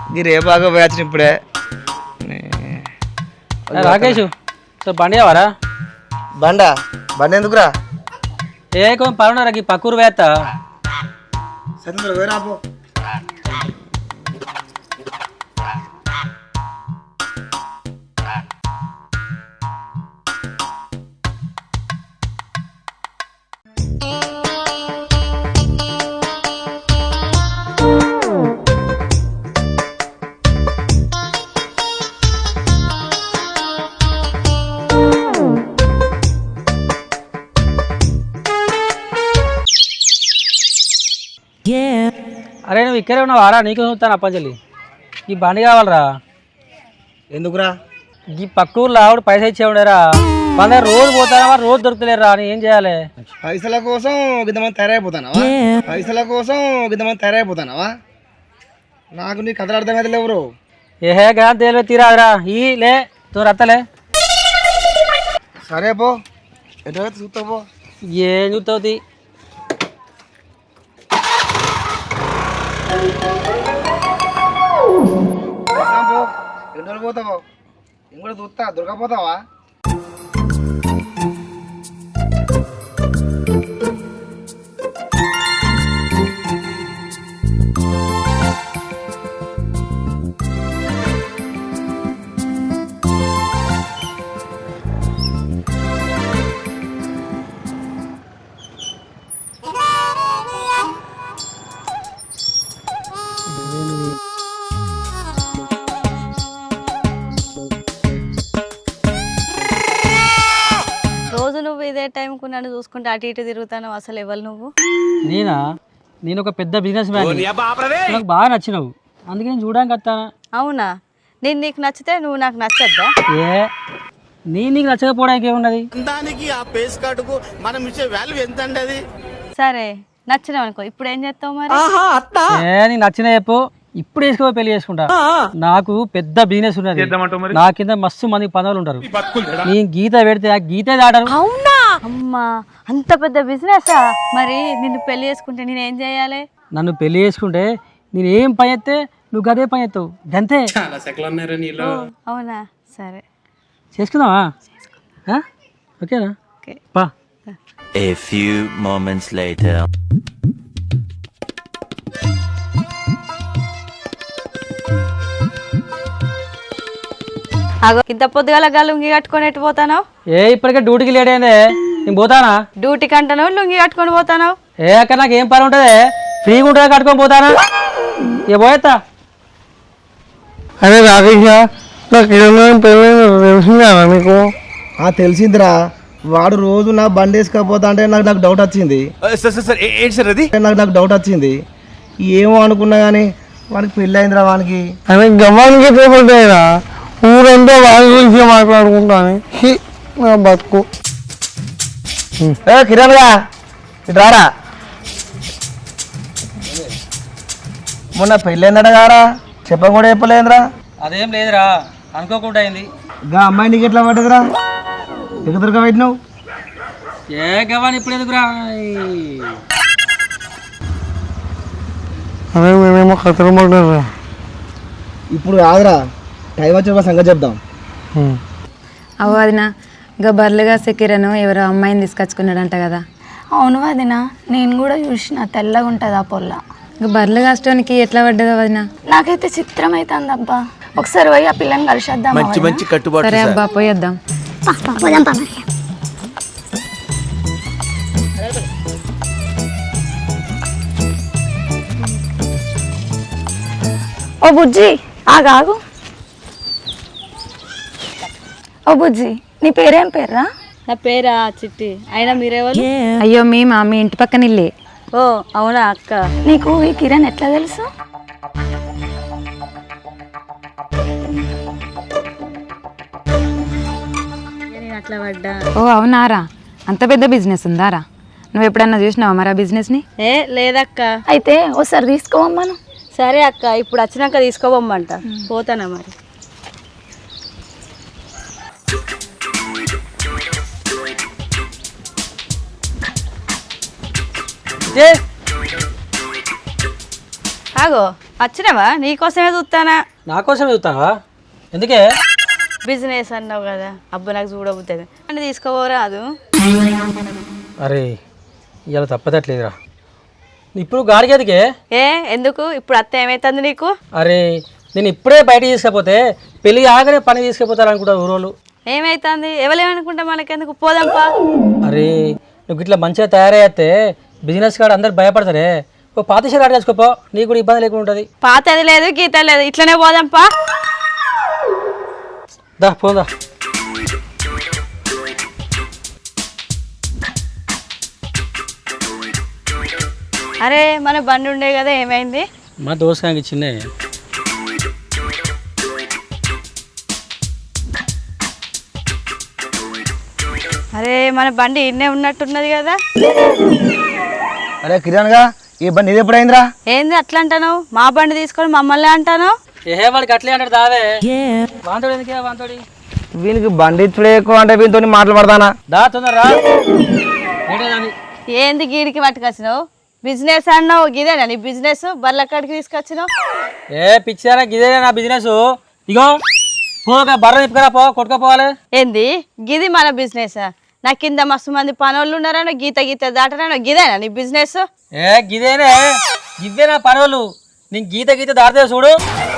ఈ రేపాగా పోయాల్సిన ఇప్పుడే రాకేష్ బండి కావారా? బండి ఎందుకురా? కొంచెం పనున్నారా ఈ పక్కూరు వేత్త సరే వేరాపో. అరే నువ్వు ఇక్కడే ఉన్నావారా? నీకు చూస్తాను అప్పంజలి. ఈ బండి కావాలరా. ఎందుకురా? ఈ పక్కూరులో ఆవిడ పైసా ఇచ్చే ఉండేరా. మన దగ్గర రోజు పోతారా, రోజు దొరుకుతలేరా అని ఏం చేయాలి? పైసల కోసం గిద్దమని తయారైపోతానావా? నాకు నీ కథలు అర్థమైతే లేవురు. ఏహే గా తేలివే తీరాదురా. ఈ లే తో రత్తలే. సరే పో, ఎటు చూస్తావు పో. ఏం చూస్తావు? ఎన్ని రోజులు పోతావు? నేను కూడా చూస్తా. దొరకపోతావా? ఇదే టైంకు నన్ను చూసుకుంటే అటు ఇటు తిరుగుతాను. అసలు ఎవరు నువ్వు? నేను ఒక పెద్ద బిజినెస్ మ్యాన్. నాకు బాగా నచ్చినావు, అందుకే నేను చూడడానికి వస్తానా. అవునా? నేను నీకు నచ్చితే నువ్వు నాకు నచ్చద్దా? నీకు నచ్చకపోవడానికి ఏమున్నది? సరే నచ్చినావు అనుకో, ఇప్పుడు ఏం చేస్తావు మరి? నీకు నచ్చిన చెప్పు, ఇప్పుడు వేసుకో పెళ్లి చేసుకుంటా. నాకు పెద్ద బిజినెస్ ఉన్నది, నా కింద మస్తు మంది పనులు ఉంటారు. నీ గీత పెడితే ఆ గీతే దాటరు. అవునా? అమ్మా అంత పెద్ద బిజినెస్. మరి నిన్ను పెళ్లి చేసుకుంటే నేను ఏం చేయాలి? నన్ను పెళ్లి చేసుకుంటే నేను ఏం పని చేస్తే నువ్వు గదే పని చేస్తావు, గంతే. అవునా? సరే చేసుకుందామా? ఓకేనా? పా. A few moments later. ఇంత పొద్దుగాల లుంగి కట్టుకొని ఎట్టు పోతాను? ఇప్పటికే డ్యూటీకి లేట్ అయిందే, నేను పోతానా? డ్యూటీకి అంటాను లుంగి కట్టుకొని పోతాను. అక్కడ నాకు ఏం పని ఉంటుంది? ఫ్రీగా ఉంటుంది కట్టుకొని పోతానా? పోయేస్తా. అరే రాకేష్, మీకు తెలిసిందిరా. వాడు రోజు నా బండి వేసుకపోతా అంటే నాకు డౌట్ వచ్చింది. నాకు డౌట్ వచ్చింది. ఏమో అనుకున్నా కానీ వానికి పెళ్ళి అయిందిరా. వానికి గమ్మానికి ఊరంతా వాడి గురించి మాట్లాడుకుంటాను. నా బతుకు. కిరణ్ గా ఇటు రారా. మొన్న పెళ్ళైందట గారా, చెప్ప కూడా చెప్పలేదురా. అదేం లేదురా, అనుకోకుండా అయింది. గా అమ్మాయి నీకు ఎట్లా పడ్డదిరా? ఎక్కడ దొరక పెట్టినావు? గవాని ఇప్పుడు ఎందుకురా? అదే మేమేమో కథలు పడ్డారా. ఇప్పుడు కాదురా, టైం వచ్చే సంగతి చెప్దాం. అవు వదినా, ఇంకా బర్లుగా సెక్కిరను ఎవరో అమ్మాయిని తీసుకొచ్చుకున్నాడంట కదా. అవును వదినా, నేను కూడా చూసిన. తెల్లగా ఉంటుంది ఆ పొల్ల. ఇంకా బర్లు కాస్టానికి ఎట్లా పడ్డదో వదినా? నాకైతే చిత్రం అవుతుంది అబ్బా. ఒకసారి పోయి ఆ పిల్లని కలిసేద్దాం. మంచి కట్టుబాటు. సరే అబ్బా, పోయేద్దాం. ఓ బుజ్జి ఆగాగు. ఓ బుజ్జి, నీ పేరేం పేర్రా? నా పేరా చిట్టి. అయినా మీరెవరు? అయ్యో మేమా, మీ ఇంటి పక్కన ఇల్లే. ఓ అవునా అక్క. నీకు ఈ కిరణ్ ఎట్లా తెలుసు? నేను అట్లా పడ్డా. ఓ అవునారా, అంత పెద్ద బిజినెస్ ఉందారా? నువ్వు ఎప్పుడన్నా చూసినావా మరి ఆ బిజినెస్ని? లేదక్క. అయితే ఓసారి తీసుకోవమ్మను. సరే అక్క, ఇప్పుడు వచ్చినాక తీసుకోబొమ్మంట. పోతానా మరి? ఆగో వచ్చినావా నీకోసమే చూస్తానా నా కోసం చూస్తావా? ఎందుకే? బిజినెస్ అన్నావు కదా, అబ్బా నాకు చూడబుద్ది అంటే తీసుకోరాదు. అరే ఇవాళ తప్పదట్లేదురా. ఇప్పుడు గాడికి ఎదికే? ఎందుకు ఇప్పుడు అత్త ఏమైతుంది నీకు? అరే నేను ఇప్పుడే బయట తీసుకపోతే పెళ్ళి ఆగనే పని తీసుకుపోతారు అనుకుంటారు ఊరోళ్ళు. ఏమైతుంది? ఎవరేమనుకుంటా మనకెందుకు, పోదాంపా. అరే నువ్వు ఇట్లా మంచిగా తయారయ్తే బిజినెస్ కాడ అందరు భయపడతారే. ఓ పాతిషాలు ఆడ చేసుకోపో, నీకు కూడా ఇబ్బంది లేకుండా ఉంటుంది. పాతది లేదు గీత లేదు, ఇట్లనే పోదాంపా. దా పోదా. అరే మన బండి ఉండే కదా, ఏమైంది? మా దోసకాయకి చిన్న అరే మన బండి ఇన్నే ఉన్నట్టున్నది కదా. అరే కిరణ్గా ఈ బండి ఇది ఎప్పుడైందిరా? ఏంది అట్లా అంటాను? మా బండి తీసుకొని మమ్మల్ని అంటాను? ఏ వాడికి అట్లే అంటాడు దావే. వాంతోడు ఎందుకే వాంతోడి? వీనికి బండి ఇచ్చుడే ఎక్కువ అంటే వీనితో మాట్లాడతానా? దా తొందరరా. ఏంది గీడికి పట్టుకొచ్చినావు? బిజినెస్ అన్నావు, గిదేనా నీ బిజినెస్? బర్ల కాడికి తీసుకొచ్చినావు? ఏ పిచ్చారా, గిదే నా బిజినెస్. ఇగో పోక బర్ర తిప్పుకరా, పో కొట్టుకోపోవాలి. ఏంది గిది మన బిజినెస్? నా కింద మస్తు మంది పనోళ్ళు ఉన్నారనో, గీత గీత దాటరానో, గిదేనా నీ బిజినెస్? ఏ గిదేనే, గిద్దే నా పనులు. నీకు గీత గీత దాడితే చూడు.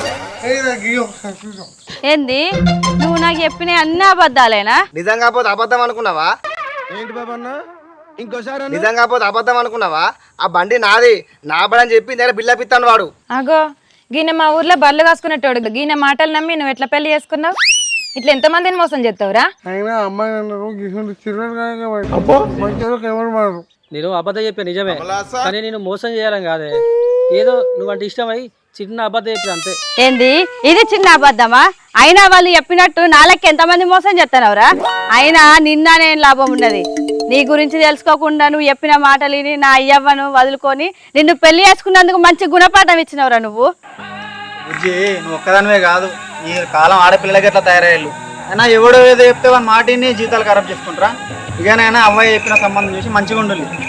ఏంది నువ్వు నాకు చెప్పిన అన్ని అబద్ధాలేనా? నిజంగా పోతే అబద్ధం అనుకున్నావా? ఏంటి బాబన్నా ఇంకోసారి నిజంగా పోతే అబద్ధం అనుకున్నావా? ఆ బండి నాది, నా బండి అని చెప్పి నేను బిల్లా పిత్తాను వాడు. అగో గీన మా ఊర్లో బర్రెలు కాసుకునేటోడు. గీన మాటలు నమ్మి నువ్వు ఎట్లా పెళ్లి చేసుకున్నావు? ఇట్లా ఎంతమందిని మోసం చేస్తావురా? నేను అబద్ధం చెప్పా నిజమే, కానీ నేను మోసం చేయాలని కాదే. ఏదో నువ్వంటే ఇష్టమై చిన్న అబద్ధం చెప్పి అంతే. ఏంది ఇది చిన్న అబద్ధమా? అయినా వాళ్ళు చెప్పినట్టు నాలకి ఎంతమంది మోసం చేస్తున్నావురా? అయినా నిన్న నేను లాభం ఉన్నది. నీ గురించి తెలుసుకోకుండా నువ్వు చెప్పిన మాటలు విని నా అయ్యవ్వను వదులుకొని నిన్ను పెళ్లి చేసుకున్నందుకు మంచి గుణపాఠం ఇచ్చినవురా నువ్వు. బుజ్జి నువ్వు ఒక్కదానివే కాదు, ఈ కాలం ఆడపిల్లలకి ఎట్లా తయారయ్యారు. అయినా ఎవడో ఏదో చెప్తే వాళ్ళ మాటిని జీతాలు ఖరాబ్ చేసుకుంటారా? ఇకనైనా అమ్మాయి చెప్పిన సంబంధం చూసి మంచిగా ఉండాలి.